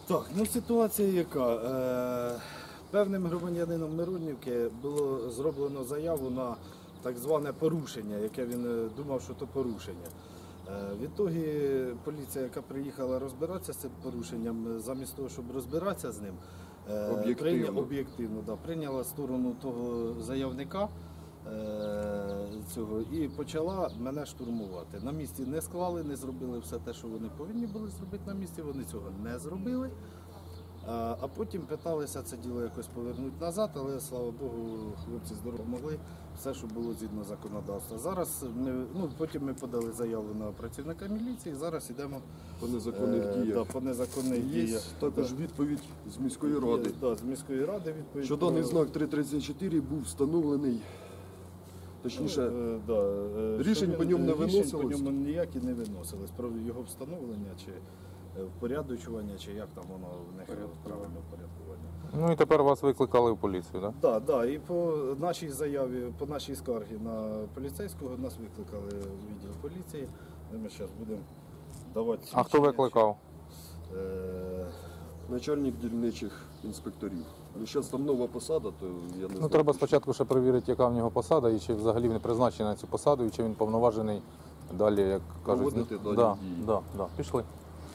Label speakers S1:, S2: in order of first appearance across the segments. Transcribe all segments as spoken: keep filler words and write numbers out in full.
S1: Так, ну ситуація яка. Е, певним громадянином Миронівки було зроблено заяву на так зване порушення, яке він думав, що то порушення. Е, відтоді поліція, яка приїхала розбиратися з цим порушенням, замість того, щоб розбиратися з ним, е,
S2: об'єктивно,
S1: прийня, об'єктивно да, прийняла сторону того заявника е, цього і почала мене штурмувати. На місці не склали, не зробили все те, що вони повинні були зробити на місці, вони цього не зробили. А потім питалися це діло якось повернути назад, але, слава Богу, хлопці здорово могли, все, що було згідно законодавства. Зараз ми, ну, потім ми подали заяву на працівника міліції, зараз йдемо
S2: по незаконних
S1: е,
S2: діях.
S1: Да, по незаконних
S2: Є
S1: діях.
S2: також
S1: Да.
S2: відповідь з міської ради.
S1: Є, да, з міської ради відповідь.
S2: Що даний знак три тридцять чотири був встановлений, точніше,
S1: е, да, е,
S2: рішень
S1: він,
S2: по ньому не
S1: рішень
S2: виносилось?
S1: по ньому ніякі не виносились. Про його встановлення чи впорядочування, чи як там воно в них правильно впорядкування.
S3: Ну і тепер вас викликали в поліцію, так?
S1: Так, да, да, і по нашій заяві, по нашій скаргі на поліцейського нас викликали в відділ поліції. Ми зараз будемо давати
S3: А хто викликав?
S1: Е...
S2: начальник дільничих інспекторів. Ну, зараз там нова посада, то я не знаю.
S3: Ну треба спочатку ще перевірити, яка в нього посада, і чи взагалі він призначений на цю посаду, і чи він повноважений далі, як кажуть.
S2: Проводити
S3: ну,
S2: дані
S3: да,
S2: дії.
S3: да, да. Пішли.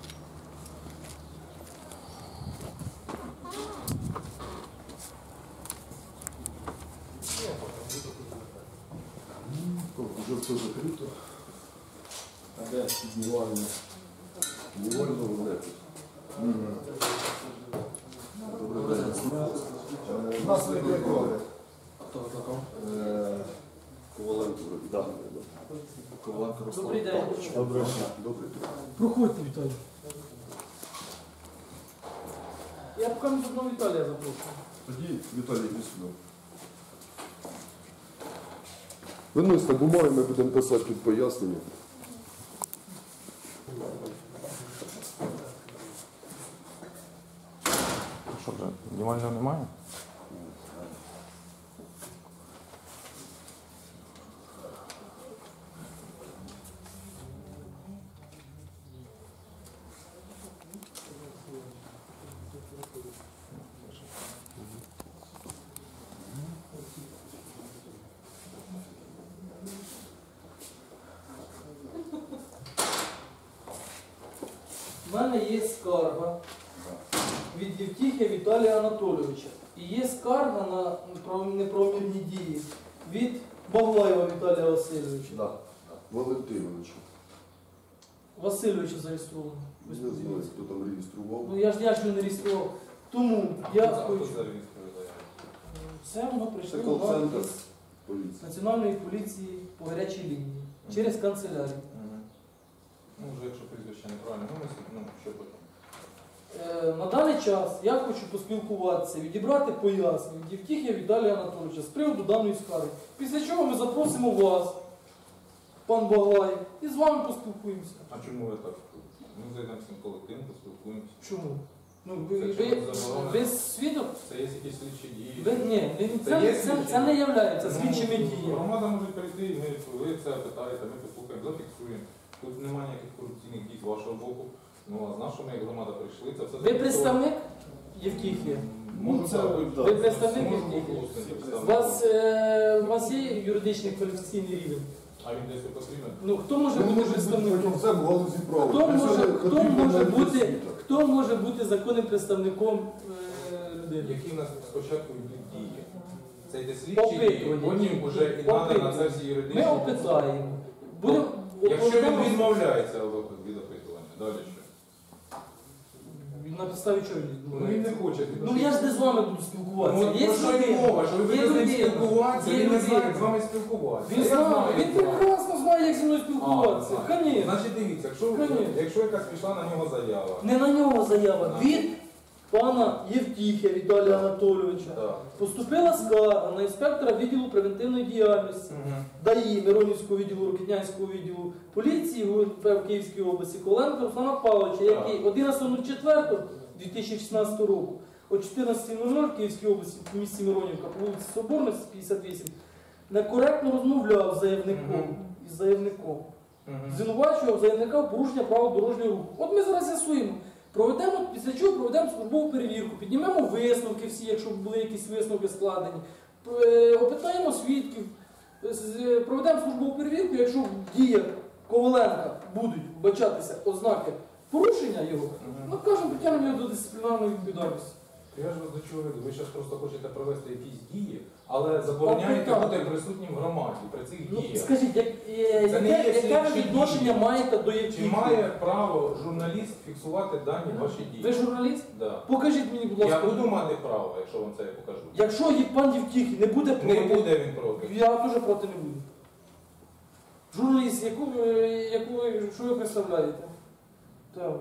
S2: Вже все закрито. А де піднівально? Піднівально в небі. Добрий день.
S1: Нас викликали.
S2: Хто викликав? Коваленко вроді.
S1: Да.
S2: Коваленко Руслан.
S4: Добрий день.
S1: Доброго дня.
S2: Добрий день.
S4: Проходьте, Віталій. Я поки не одного Віталія запрошую.
S2: Тоді, Віталій, іди сюди. Виносьте бумаги, ми будемо писати під пояснення.
S3: Що вже, знімального немає?
S4: У мене є скарга від Євтіхія Віталія Анатолійовича. І є скарга на неправомірні дії від Баглаєва Віталія Васильовича.
S2: Да. Валентиновичу.
S4: Васильовича зареєстровано.
S2: Не знаю, хто там реєстрував.
S4: Ну я ж я ж не реєстрував. Тому я
S3: А
S4: хочу.
S3: хто зареєструє заяву?
S4: Це воно
S2: Це
S4: прийшло
S2: кол-центр
S4: на
S2: поліції.
S4: Національної поліції по гарячій лінії через канцелярію.
S3: Ну, вже якщо прізвище неправильно вимислить, ну, що потім?
S4: Е, На даний час я хочу поспілкуватися, відібрати пояснення від Євтіхія Віталія Анатолійовича з приводу даної скарги. Після чого ми запросимо вас, пан Баглай, і з вами поспілкуємося.
S3: А чому ви так? Ми зайдемо з цим колективом, поспілкуємося.
S4: Чому? Ну, ви,
S3: Це
S4: ви,
S3: чому заборонено?
S4: ви свідок?
S3: Це є якісь слідчі дії.
S4: Ви, ні, ви,
S3: Це
S4: це,
S3: є
S4: це,
S3: слідчі
S4: це не
S3: дії?
S4: є
S3: Ну,
S4: слідчими діями.
S3: Громада може прийти, і ми, ви це питаєте, ми послухаємо, зафіксуємо. Тут немає ніяких корупційних дій з вашого боку. Ну, а з нашого, як громада прийшли, це все...
S4: Ви представник Євтіхія?
S3: Можу,
S1: це-
S3: так,
S1: да.
S4: Ви представник
S3: можу
S4: Євтіхія?
S3: голосно
S4: У
S3: представити.
S4: вас, е, у вас є юридичний кваліфікаційний рівень?
S3: А він десь потрібен?
S4: Ну, хто може
S2: Ми
S4: бути
S2: можемо бути
S4: представником?
S2: фахівцем в галузі права.
S4: Хто
S2: Для
S4: може,
S2: цього
S4: хто
S2: потрібно
S4: може
S2: навіть
S4: бути,
S2: освіта.
S4: хто може бути законним представником е, людини?
S3: Які в нас спочатку йдуть дії? Це йде слідчі дії,
S4: Опитування.
S3: потім вже і надо на це всі юридичні...
S4: Ми опитаємо. Будемо,
S3: Якщо він
S4: будемо-
S3: відмовляється від опитування, далі що?
S4: На підставі чого він
S3: Ну він
S4: відмовляється?
S3: не хоче.
S4: Ну я ж не з вами буду спілкуватися.
S3: Ну,
S4: Є
S3: про що й
S4: людина,
S3: мова, що ви
S4: є
S3: будете з ним
S4: людина,
S3: спілкуватися,
S4: є
S3: він не знає, як з
S4: людина.
S3: вами спілкуватися.
S4: Він
S3: Я
S4: знає,
S3: знаю,
S4: він
S3: як з вами.
S4: прекрасно знає, як зі мною спілкуватися.
S3: А, знає.
S4: Конечно.
S3: Значить, дивіться, якщо,
S4: Конечно.
S3: якщо якась пішла на нього заява,
S4: Не на нього заява.
S3: А.
S4: Від пана Євтіхія Віталія Анатолійовича
S3: Так.
S4: поступила скарга на інспектора відділу превентивної діяльності ДАІ Миронівського відділу, Рокітнянського відділу поліції ГУНП в Київській області Коленко Руслана Павловича, який одинадцятого четвертого дві тисячі шістнадцятого року о чотирнадцятій нуль нуль в Київській області в місті Миронівка по вулиці Соборності п'ятдесят вісім некоректно розмовляв з заявником,
S3: Мгм.
S4: із заявником.
S3: Мгм.
S4: Звинувачував заявника в порушення правил дорожнього руху. От ми зараз з'ясуємо, Проведемо, після чого проведемо службову перевірку, піднімемо висновки всі, якщо були якісь висновки складені, е, опитаємо свідків, з- проведемо службову перевірку, якщо в діях Коваленка будуть вбачатися ознаки порушення його,
S3: Мгм.
S4: накажемо, притягнемо його до дисциплінарної відповідальності.
S3: Я ж вас до чого веду. Ви зараз просто хочете провести якісь дії, але забороняєте
S4: Так,
S3: бути
S4: так.
S3: присутнім в громаді при цих
S4: Ну,
S3: діях.
S4: скажіть, як, е,
S3: Це не
S4: яке,
S3: є
S4: яке ви
S3: слідчі
S4: відношення
S3: дії.
S4: маєте до яких?
S3: Чи має право журналіст фіксувати дані ваші дії?
S4: Ви журналіст?
S3: Да.
S4: Покажіть мені, будь
S3: Я
S4: ласка.
S3: буду мати право, якщо вам це я покажу.
S4: Якщо є пан Євтіхій не буде проти,
S3: Не буде він проти.
S4: я теж проти не буду. Журналіст, яку, ви- яку, ви- що ви представляєте? Так.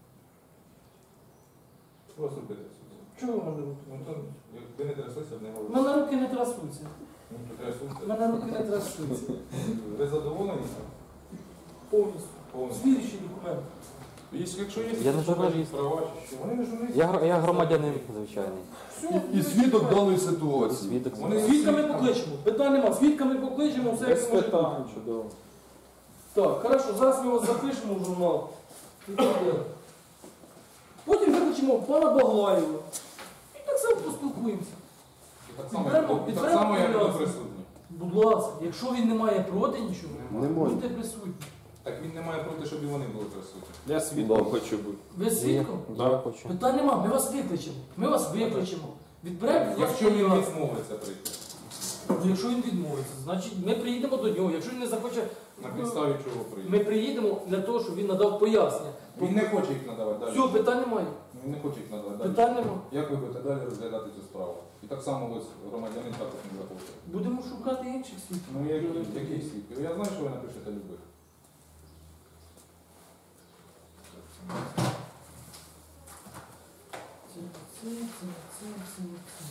S3: Що вас робити?
S4: Чого ви мене руки?
S3: Ну, то, як ви не тряслися, не
S4: У
S3: говорите.
S4: мене руки не трясуться.
S3: Ну, то
S4: У
S3: трясуться.
S4: мене руки не трясуться.
S3: Ви задоволені?
S4: Повністю.
S3: Повністю.
S4: Звірючі документи.
S3: Якщо якщо є
S5: Я не
S3: якісь
S5: журналіст.
S3: права, чи що? Вони не журналісти.
S5: Я, гр- я громадянин звичайний.
S4: Все,
S2: І, і свідок даної ситуації.
S5: Свідок.
S3: Вони
S4: Свідками покличемо. Питань нема. Свідками покличемо, все як може бути.
S5: чудово.
S4: Так, хорошо, зараз ми вас запишемо в журнал. І так далі. Потім викличемо пана Баглаєва. І так само поспілкуємося.
S3: І так само,
S4: Підберемо-
S3: як- і так
S4: підберемо
S3: само, як ви
S4: пов'язку.
S3: присутні.
S4: Будь ласка, якщо він не має проти нічого,
S2: Немає.
S4: будьте присутні.
S3: Так він не має проти, щоб і вони були присутні.
S6: Я свідком хочу бути.
S4: Ви свідком?
S5: Я хочу.
S4: Питань нема, ми вас викличемо. Ми вас викличемо. Відберемо від вас
S3: Якщо він
S4: пов'язку.
S3: відмовиться прийти.
S4: Ну, якщо він відмовиться, значить ми приїдемо до нього. Якщо він не захоче,
S3: На підставі чого прийде.
S4: ми приїдемо для того, щоб він надав пояснення.
S3: Він не хоче їх надавати далі.
S4: Все, питань немає.
S3: Він не хоче їх надавати далі.
S4: Питань немає.
S3: Як ви будете далі розглядати цю справу? І так само ви громадянин також не захочете.
S4: Будемо шукати інших свідків.
S3: Ну які, які свідки? Я знаю, що ви напишете любих.
S4: Це, це, це, це, це.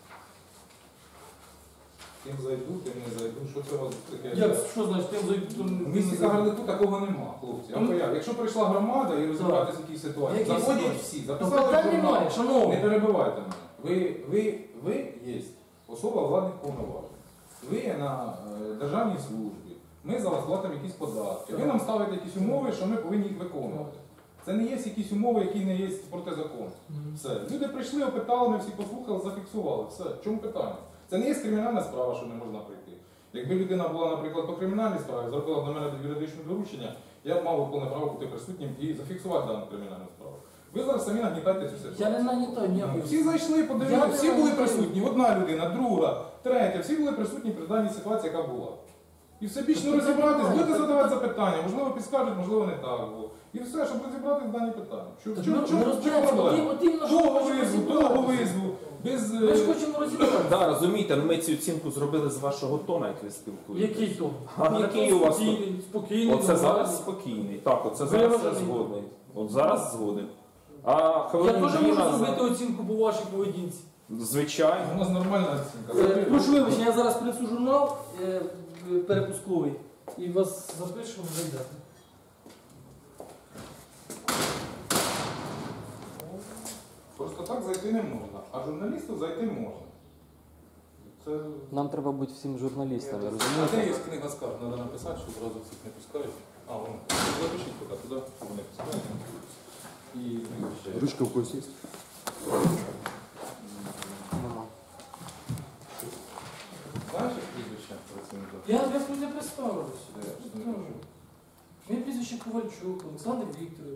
S3: Тим зайду, тим не зайду. Що це у вас таке?
S4: Як, що значить, тим зайду, то
S3: В
S4: не-
S3: місті Кагарлику такого нема, хлопці. Я вам
S4: Ну,
S3: поясню. Якщо прийшла громада і розбиратися в якійсь ситуації,
S4: Які
S3: заходять
S4: ситуації?
S3: всі,
S4: То
S3: записали
S4: питань
S3: журнал.
S4: немає,
S3: Не
S4: шановні.
S3: перебивайте мене. Ви, ви, ви є особа владних повноважень. Ви є на е, державній службі. Ми за вас платимо якісь податки. Ви нам ставите якісь умови, що ми повинні їх виконувати. Це не є якісь умови, які не є проти закону.
S4: Мгм.
S3: Все. Люди прийшли, опитали, ми всі послухали, зафіксували. Все. В чому питання? Це не є кримінальна справа, що не можна прийти. Якби людина була, наприклад, по кримінальній справі, зробила б на мене юридичне доручення, я б мав повне право бути присутнім і зафіксувати дану кримінальну справу. Ви зараз самі нагнітаєте цю ситуацію.
S4: Я не нагнітаю
S3: Ну,
S4: ніякої.
S3: всі зайшли,
S4: Я
S3: подивилися,
S4: не
S3: всі були
S4: нагнітаю.
S3: присутні. Одна людина, друга, третя, всі були присутні при даній ситуації, яка була. І все більш не розібратись, будете задавати запитання, можливо, підскажуть, можливо, не так було. І все, щоб розібратися в дані питання. Що,
S4: Так
S3: що,
S4: ми-
S3: що,
S4: ми
S3: що
S4: розберемося,
S3: проблема?
S4: от іменно, що
S3: Того
S4: ми хочемо
S3: визву, того
S4: розібратися.
S3: визву, без...
S4: Ми ж
S3: е,
S4: хочемо розібратися.
S6: Да, розумієте, ну ми цю оцінку зробили з вашого тона, як ви спілкуєтесь.
S4: Який то?
S6: А який у вас то?
S4: Спокійний, спокійний.
S6: Оце
S4: нормальний.
S6: зараз спокійний. Так, оце зараз я
S4: Виважений.
S6: згодний. От зараз згоден. А
S4: Я
S6: хвилин
S4: теж
S6: дві
S4: можу
S6: назад-
S4: зробити оцінку по вашій поведінці.
S6: Звичайно.
S3: У нас нормальна оцінка.
S4: Е, Прошу вибачення, я зараз принесу журнал е, перепусковий і вас запишемо, зайдете.
S3: Просто так зайти не можна, а журналісту зайти можна. Це...
S5: Нам треба бути всім журналістами,
S3: А де
S5: розумієте?
S3: є книга скарг? Треба написати, що одразу всіх не пускають. А, вон. Запишіть поки туди, щоб не пускають. І
S2: Ручка в когось є?
S5: Нема.
S3: знаєш, як прізвище працівника?
S4: Я я не представився.
S3: Де? Я ж не кажу.
S4: Моє прізвище Ковальчук, Олександр Вікторович.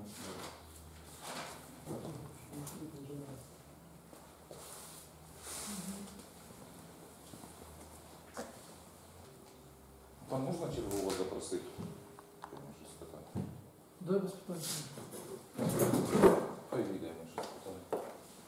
S3: Там можна чергового запросити? Я можу спитати.
S4: Дай без питань.
S3: Хай вийде, я можу спитати.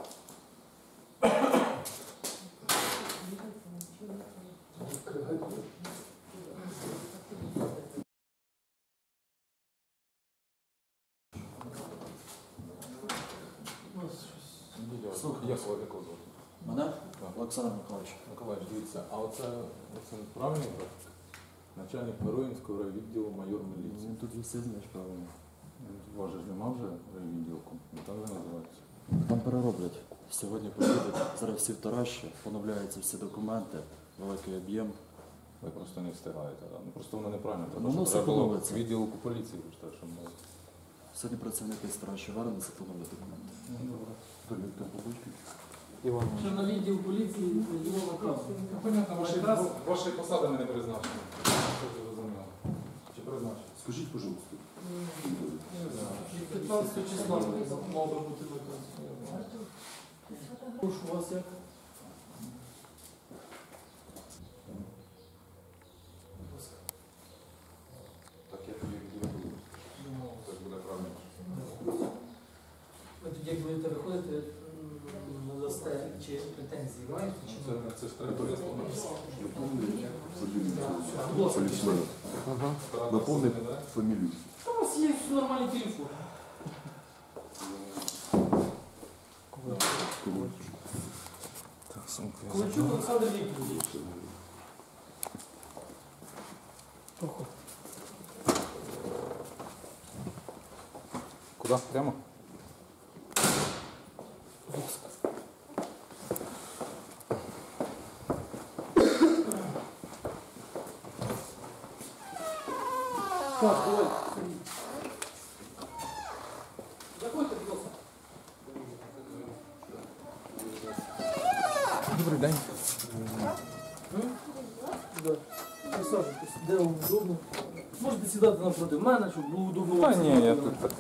S3: Слухай, я свого якого звати?
S7: Мене?
S3: Так.
S7: Олександр Миколаївич.
S3: Миколаївич, дивіться, а оце, оце правильний графік? Начальник Миронівського райвідділу майор міліції.
S7: Ну, тут же все знаєш правильно.
S3: У вас же ж нема вже райвідділку, не так же називається?
S7: Там перероблять. Сьогодні поїдуть, зараз всі в Тараші, поновляються всі документи, великий об'єм.
S3: Ви просто не встигаєте, да? Ну просто воно неправильно.
S7: Ну,
S3: Треба,
S7: воно
S3: щоб
S7: все
S3: треба було
S7: подобається.
S3: відділку поліції, ви ж так, щоб було.
S7: Сьогодні працівники старші вернуться, поновлять документи.
S5: Іван.
S4: Що на відділ поліції його наказ.
S3: Ну, понятно, ваші, ваші посади не призначені. Що ви зрозуміли? Чи призначені?
S2: Скажіть, пожалуйста.
S3: Не знаю.
S4: п'ятнадцятого числа мав би бути наказ. Прошу вас як?
S3: Так я тобі відповім. Так буде правильно.
S4: Ви тоді, як будете виходити, м, надасте чи претензії маєте? Чи
S3: Це, це ж територія слова.
S2: Полісмена. Напомни фамілію.
S4: Та у вас є нормальний телефон. Ковальчук Олександр Вікторович.
S3: Куди? Прямо?
S4: Так, давай. Заходьте, будь ласка.
S3: Добрий день.
S4: Да. Присаджуйтесь, де вам удобно. Можете сідати напроти мене, щоб було удобно
S3: Та
S4: вам
S3: ні,
S4: сидіти.
S3: я тут так.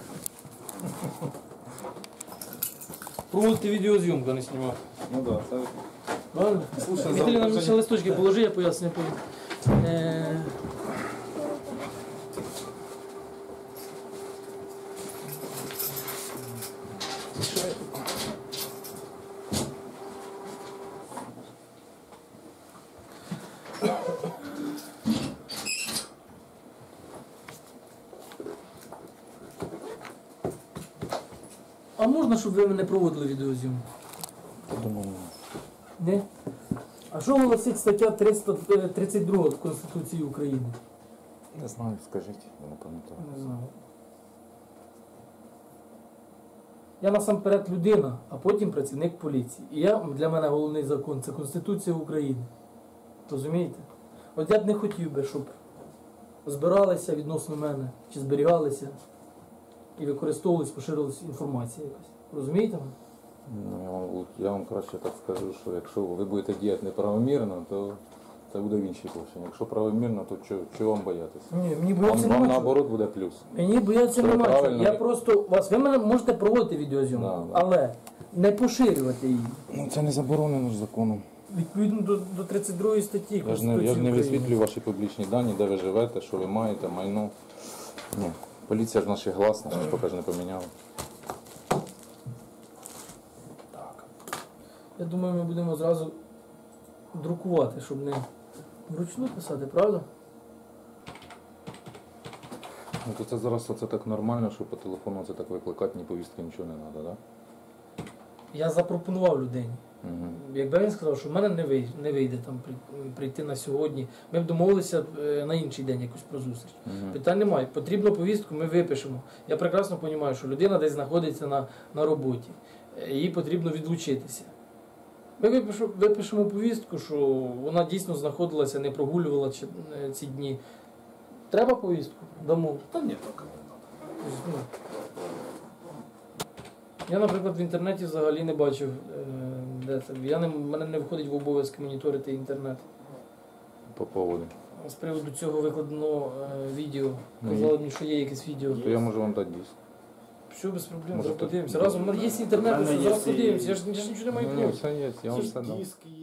S4: Проводити відеозйомку, а не знімати.
S3: Ну так, це.
S4: Правильно?
S3: Слушай,
S4: Віталій, нам
S3: завтра-
S4: ще листочки положи, я поясню потім. Е, А можна, щоб ви мене проводили відеозйомку?
S7: Думаю,
S4: Не? А що голосить стаття триста тридцять два Конституції України?
S3: Не знаю, скажіть, я не пам'ятаю.
S4: Не знаю. Я насамперед людина, а потім працівник поліції. І я, для мене головний закон це Конституція України. Розумієте? От я б не хотів би, щоб збиралися відносно мене, чи зберігалися і використовувалась, поширилась інформація якась. Розумієте мене?
S8: Ну, я, вам, я вам краще так скажу, що якщо ви будете діяти неправомірно, то це буде в іншій площині. Якщо правомірно, то чого, чого вам боятися?
S4: Ні, мені
S8: Вам,
S4: бояться
S8: вам
S4: нема чого.
S8: наоборот буде плюс.
S4: Мені бояться
S8: Що
S4: нема чого.
S8: правильно?
S4: Я просто вас, ви мене можете проводити відеозйомку,
S8: Да, да.
S4: але не поширювати її.
S8: Ну це не заборонено ж законом.
S4: Відповідно до, до тридцять другої статті
S8: Я ж
S4: Конституції
S8: не, я ж не
S4: України.
S8: висвітлюю ваші публічні дані, де ви живете, що ви маєте, майно. Ні. Поліція ж наші гласна, що ж поки ж не поміняла.
S4: Я думаю, ми будемо зразу друкувати, щоб не вручну писати, правда?
S8: Ну то це зараз це так нормально, що по телефону це так викликати, ні повістки, нічого не треба, так?
S4: Я запропонував людині.
S8: Угу.
S4: Якби він сказав, що в мене не вийде, не вийде там при- прийти на сьогодні, ми б домовилися е, на інший день якусь про зустріч.
S8: Угу.
S4: Питань немає. Потрібну повістку, ми випишемо. Я прекрасно розумію, що людина десь знаходиться на, на роботі. Е, Їй потрібно відлучитися. Ми випишу- випишемо повістку, що вона дійсно знаходилася, не прогулювала чи- е, ці дні. Треба повістку? Дамо.
S1: Та ні, поки не треба.
S4: Ну, Я, наприклад, в інтернеті взагалі не бачив, е, де це. Я не, мене не входить в обов'язки моніторити інтернет.
S8: По поводу.
S4: З приводу цього викладено е, відео.
S8: Ну,
S4: Казали мені, що є якесь відео.
S8: То я можу вам дати диск.
S4: Все, без проблем,
S8: Може,
S4: зараз
S8: то-
S4: подивимося. Разом, у мене є інтернет,
S6: У мене
S4: що зараз
S6: є і-
S4: подивимося. Я ж, я ж нічого не маю
S8: Ну, ні,
S4: проти.
S8: все є, я вам все дам.
S6: Диски